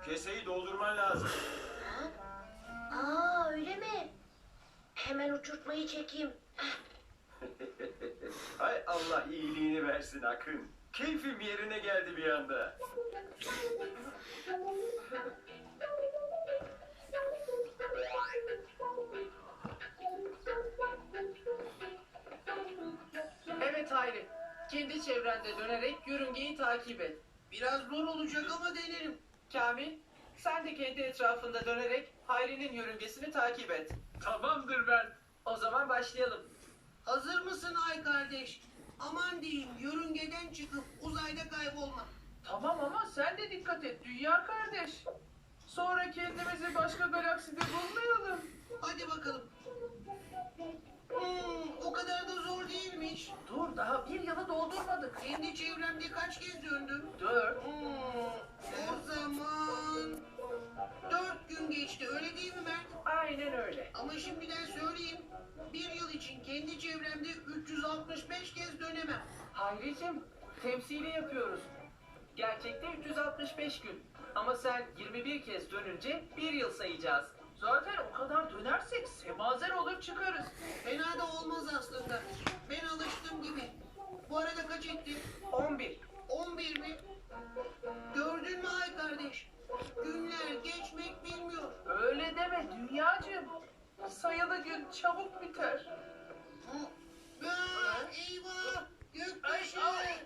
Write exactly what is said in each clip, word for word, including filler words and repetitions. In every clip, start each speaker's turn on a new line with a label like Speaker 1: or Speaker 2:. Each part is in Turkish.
Speaker 1: Keseyi doldurman lazım.
Speaker 2: Ha? Aa öyle mi? Hemen uçurtmayı çekeyim.
Speaker 1: Hay Allah iyiliğini versin Akın. Keyfim yerine geldi bir anda.
Speaker 3: Evet Hayri. Kendi çevrende dönerek yörüngeyi takip et. Biraz zor olacak ama denerim. Kamil, sen de kendi etrafında dönerek Hayri'nin yörüngesini takip et. Tamamdır ben. O zaman başlayalım.
Speaker 4: Hazır mısın ay kardeş? Aman diyeyim yörüngeden çıkıp uzayda kaybolma.
Speaker 3: Tamam ama sen de dikkat et dünya kardeş. Sonra kendimizi başka galakside bulmayalım.
Speaker 4: Hadi bakalım. Hmm, o kadar da zor değilmiş.
Speaker 3: Dur daha bir yılı doldurmadık.
Speaker 4: Kendi çevremde kaç kez döndüm?
Speaker 3: Dört.
Speaker 4: Hmm, o zaman dört gün geçti öyle değil mi Mert?
Speaker 3: Aynen öyle.
Speaker 4: Ama şimdiden söyleyeyim. Bir yıl için kendi çevremde üç yüz altmış beş kez dönemem.
Speaker 3: Hayricim, temsili yapıyoruz. Gerçekte üç yüz altmış beş gün. Ama sen yirmi bir kez dönünce bir yıl sayacağız. Zaten o kadar dönersek semazer olur çıkarız.
Speaker 4: Fena da olmaz aslında. Ben alıştım gibi. Bu arada kaç ettin?
Speaker 3: on bir.
Speaker 4: on bir mi? Gördün mü ay kardeş? Günler geçmek bilmiyor.
Speaker 3: Öyle deme dünyacığım. Sayılı gün çabuk biter.
Speaker 4: Aa, eyvah! Göktaşı!
Speaker 3: Ay, ay.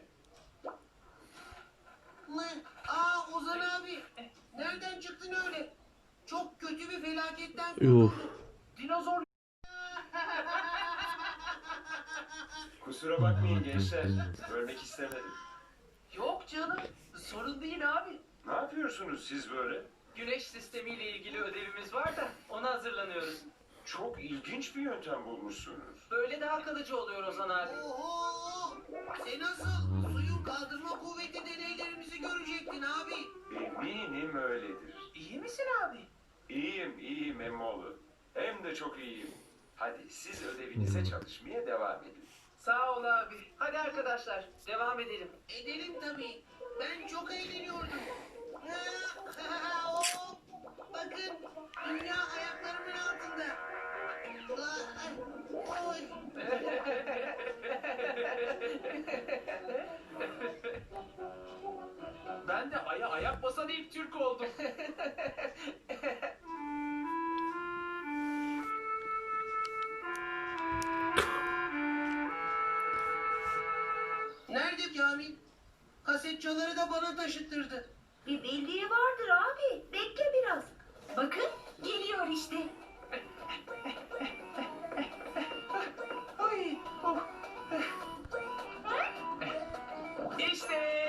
Speaker 4: Ne? Aa Ozan abi! Nereden çıktın öyle? Çok kötü bir felaketten
Speaker 5: Yuh.
Speaker 4: kurtulduk.
Speaker 3: Dinozor
Speaker 1: Kusura bakmayın gençler. Bölmek istemedim.
Speaker 3: yok canım. Sorun değil abi.
Speaker 1: Ne yapıyorsunuz siz böyle?
Speaker 3: Güneş sistemiyle ilgili ödevimiz var da ona hazırlanıyoruz.
Speaker 1: Çok ilginç bir yöntem bulmuşsunuz.
Speaker 3: Böyle daha kalıcı oluyor Ozan abi.
Speaker 4: Oho! Sen nasıl? Suyun kaldırma kuvveti deneylerimizi görecektin abi.
Speaker 1: Eminim öyledir.
Speaker 3: İyi misin abi?
Speaker 1: İyiyim, iyiyim Emmoğlu. Hem de çok iyiyim. Hadi siz ödevinize çalışmaya devam edin.
Speaker 3: Sağ ol abi. Hadi arkadaşlar devam edelim.
Speaker 4: Edelim tabii. Ben çok eğleniyordum. Hop! Bakın dünya ayaklarımın altında. Oy!
Speaker 3: Ben de aya ayak basan ilk Türk oldum.
Speaker 4: Nerede Kamil? Kasetçaları da bana taşıttırdı.
Speaker 2: Bir bildiği vardır abi. Bekle biraz. Bakın geliyor işte.
Speaker 3: Ay, oh. İşte.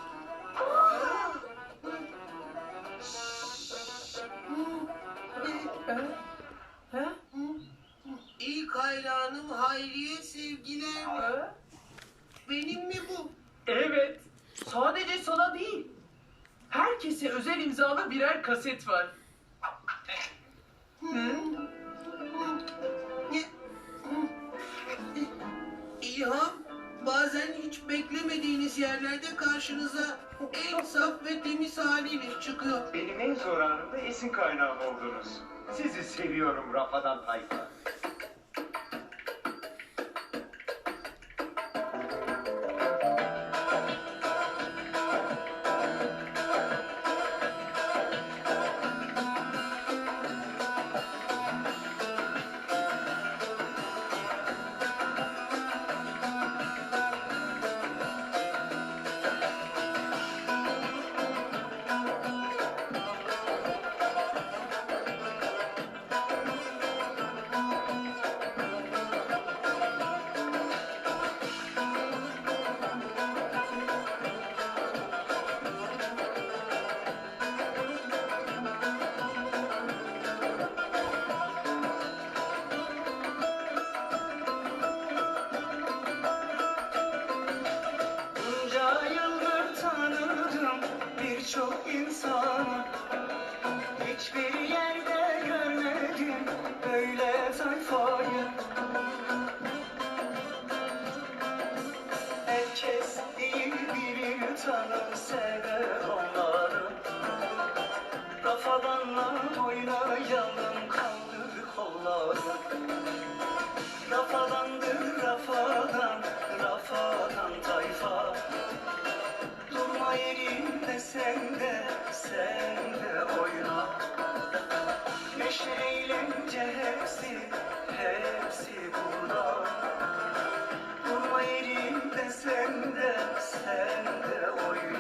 Speaker 3: Ha?
Speaker 4: İlk hayranım Hayriye sevgiler.
Speaker 3: Ha?
Speaker 4: Benim mi bu?
Speaker 3: Evet. Sadece sana değil. Herkese özel imzalı birer kaset var. Hı?
Speaker 4: İlham, bazen hiç beklemediğiniz yerlerde karşınıza en saf ve temiz haliyle çıkıyor.
Speaker 1: Benim en zor anımda esin kaynağım oldunuz. Sizi seviyorum Rafadan Tayfa.
Speaker 6: Bunca yıldır tanıdım birçok insanı. Hiçbir yerde görmedim böyle tayfayı. Herkes değil birini tanır sever onları. oynayalım, kaldır kolları. Rafadandır rafadan, rafadan tayfa. Durma yerinde sen de, sen de oyna. Neşe eğlence hepsi, hepsi burada. Durma yerinde sen de, sen de oyna.